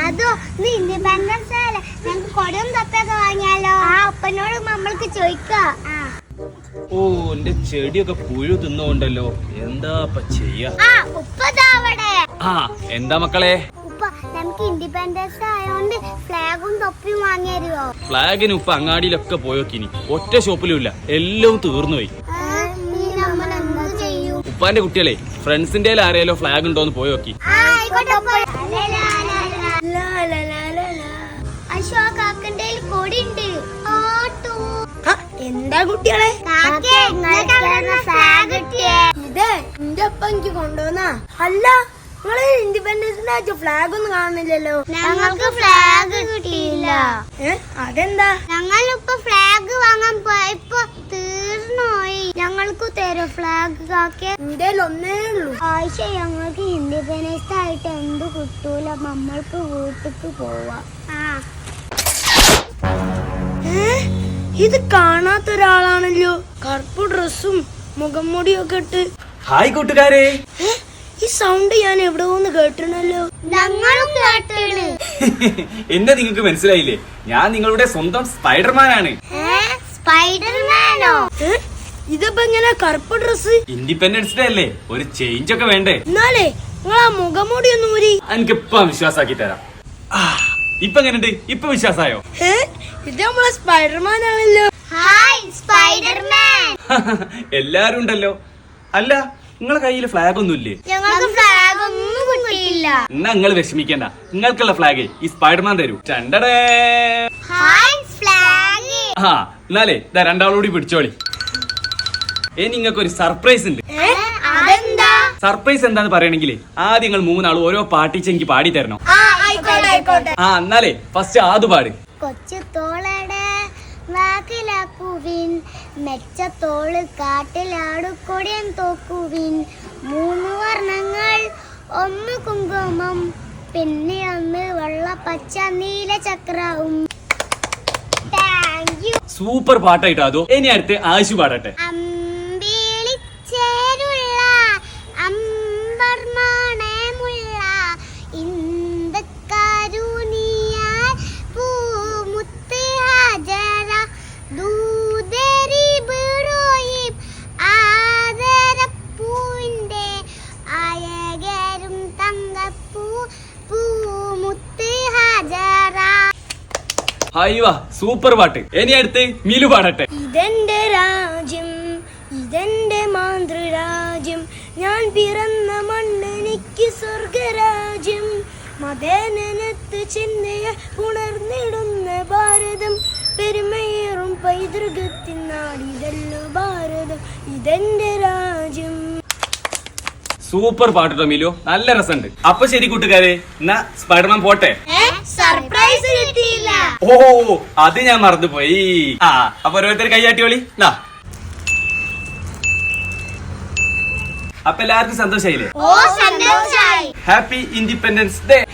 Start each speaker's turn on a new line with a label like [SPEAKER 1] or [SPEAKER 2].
[SPEAKER 1] അതോ ഇൻഡിപെൻഡൻസ് അല്ലേ, ഞങ്ങൾക്ക് കൊടയും തപ്പൊക്കെ വാങ്ങിയാലോ? ആ ഉപ്പനോട് നമ്മൾക്ക് ചോദിക്കാം.
[SPEAKER 2] ഓ എന്റെ ചെടിയൊക്കെ പുഴു തിന്നുകൊണ്ടല്ലോ, എന്താ ചെയ്യാ?
[SPEAKER 1] ഉപ്പതാവടെ.
[SPEAKER 2] എന്താ മക്കളെ?
[SPEAKER 1] ഉപ്പ നമുക്ക് ഇൻഡിപെൻഡൻസ് ആയോണ്ട് ഫ്ലാഗും തൊപ്പിയും വാങ്ങിയരുവോ?
[SPEAKER 2] ഫ്ലാഗിന് ഉപ്പ അങ്ങാടിയിലൊക്കെ പോയോക്കിനി, ഒറ്റ ഷോപ്പിലും ഇല്ല, എല്ലാം തീർന്നു പോയി. ഉപ്പാന്റെ കുട്ടികളെ ഫ്രണ്ട്സിന്റെ ആരെയല്ലോ ഫ്ലാഗ് ഉണ്ടോന്ന് പോയോക്കി.
[SPEAKER 1] എന്താ കുട്ടികളെ ഇത് എന്റെ ഒപ്പം എനിക്ക് കൊണ്ടുവന്നാ? അല്ല, നിങ്ങള് ഇൻഡിപെൻഡൻസ് ഫ്ലാഗ് ഒന്നും കാണുന്നില്ലല്ലോ. ഞങ്ങൾക്ക് ഫ്ലാഗ് കിട്ടിയില്ല. അതെന്താ? ഞങ്ങളിപ്പോ ഫ്ലാഗ് വാങ്ങാൻ പോയപ്പോ തീർന്നുപോയി. ഞങ്ങൾക്ക് തരും ഫ്ലാഗ് കാക്കെ. എന്തേലും ഒന്നേ ഉള്ളൂ. ആഴ്ച ഞങ്ങൾക്ക് ഇൻഡിപെൻഡൻസ് ആയിട്ട് എന്ത് കിട്ടൂല, നമ്മൾക്ക് വീട്ടിക്ക് പോവാ. ഇത് കാണാത്ത ഒരാളാണല്ലോ, കറുപ്പ് ഡ്രസ്സും മുഖം മുടിയൊക്കെ ഇട്ട്.
[SPEAKER 2] ഹായ് കൂട്ടുകാരെ.
[SPEAKER 1] ഈ സൗണ്ട് ഞാൻ എവിടെ ഒന്ന് കേട്ടിരുന്നല്ലോ. ഞങ്ങളും കേട്ടിരുന്നു.
[SPEAKER 2] എന്നെ നിങ്ങൾക്ക് മനസ്സിലായില്ലേ? ഞാൻ നിങ്ങളുടെ സ്വന്തം സ്പൈഡർമാനാണ്.
[SPEAKER 1] സ്പൈഡർമാനോ? ഇതിപ്പോ എങ്ങനെ കറുപ്പ് ഡ്രസ്?
[SPEAKER 2] ഇൻഡിപെൻഡൻസ് ഡേ അല്ലേ, ഒരു ചേഞ്ച് ഒക്കെ വേണ്ടേ?
[SPEAKER 1] എന്നാലേ നിങ്ങളാ മുഖംമൂടി ഒന്ന് ഊരി.
[SPEAKER 2] എനിക്കിപ്പ വിശ്വാസാക്കി തരാം. ഇപ്പൊ എങ്ങനെയുണ്ട്? ഇപ്പൊ വിശ്വാസായോ?
[SPEAKER 1] ഇത് നമ്മളെ സ്പൈഡർമാൻ ആണല്ലോ. Hi Spiderman.
[SPEAKER 2] എല്ലാരും ഉണ്ടല്ലോ. അല്ല, നിങ്ങളെ കയ്യില് ഫ്ലാഗ് ഒന്നും ഇല്ലേ?
[SPEAKER 1] ഞങ്ങൾക്ക് ഫ്ലാഗ് ഒന്നും കിട്ടിയില്ല.
[SPEAKER 2] എന്നാ നിങ്ങൾ വിഷമിക്കണ്ട, നിങ്ങൾക്കുള്ള ഫ്ലാഗ് ഈ സ്പൈഡർമാൻ തരൂ. എന്നാലേ രണ്ടാളോടി പിടിച്ചോളി. നിങ്ങൾക്ക് ഒരു സർപ്രൈസ് ഉണ്ട്. സർപ്രൈസ് എന്താന്ന് പറയണെങ്കിലേ ആദ്യം നിങ്ങൾ മൂന്നാളും ഓരോ പാട്ടിച്ച് എനിക്ക് പാടി തരണം. എന്നാലേ ഫസ്റ്റ് ആദ്യ പാട്.
[SPEAKER 1] കൊച്ചു തോളടെ വാക്കിലാക്കുവിൻ, മെച്ചത്തോള് കാട്ടിലാടുകൊടിയൻ തോക്കുവിൻ. 3 വർണ്ണങ്ങൾ, 1 കുങ്കുമം, പിന്നെ 1 വെള്ള പച്ച നീല ചക്രവും.
[SPEAKER 2] സൂപ്പർ പാട്ടായിട്ടോ അതോ? ഇനി അടുത്ത് ആശു പാടട്ടെ.
[SPEAKER 1] അമ്പിളിച്ചേരുള്ള അമ്പർമാണമുള്ള ഇന്ദക്കാരുണിയാൽ പൂമുത്ത് ഹാജറ ദൂതരി ബിറോയിം ആദരപ്പൂവിന്റെ അയകരും തങ്കപ്പൂ പൂമുത്ത് ഹാജറ.
[SPEAKER 2] ഹായ്വാ, സൂപ്പർ പാട്ട്. ഇനി അടുത്ത് മിലു പാടട്ടെ.
[SPEAKER 1] ഇതെന്റെ രാജ്യം, ഇതെന്റെ മാതൃരാജ്യം, ഞാൻ പിറന്ന മണ്ണെനിക്ക് സ്വർഗരാജ്യം. മതേനത്ത് ചിന്തയെ ഉണർന്നിടുന്ന ഭാരതം, പെരുമയേറും പൈതൃകത്തിൻ നാടിതല്ലോ ഭാരതം, ഇതെന്റെ രാജ്യം.
[SPEAKER 2] സൂപ്പർ പാട്ടോ മിലു, നല്ല രസമുണ്ട്. അപ്പൊ ശരി കൂട്ടുകാരെ, എന്നാ സ്പൈഡർമാൻ പോട്ടെ.
[SPEAKER 1] സർപ്രൈസ് കിട്ടിയില്ല.
[SPEAKER 2] ഓ അത് ഞാൻ മറന്നുപോയി. അപ്പൊ ഓരോരുത്തർ കൈയാട്ടിയോളി. അപ്പൊ എല്ലാവർക്കും സന്തോഷായില്ലേ?
[SPEAKER 1] ഓ സന്തോഷായി.
[SPEAKER 2] Happy independence day.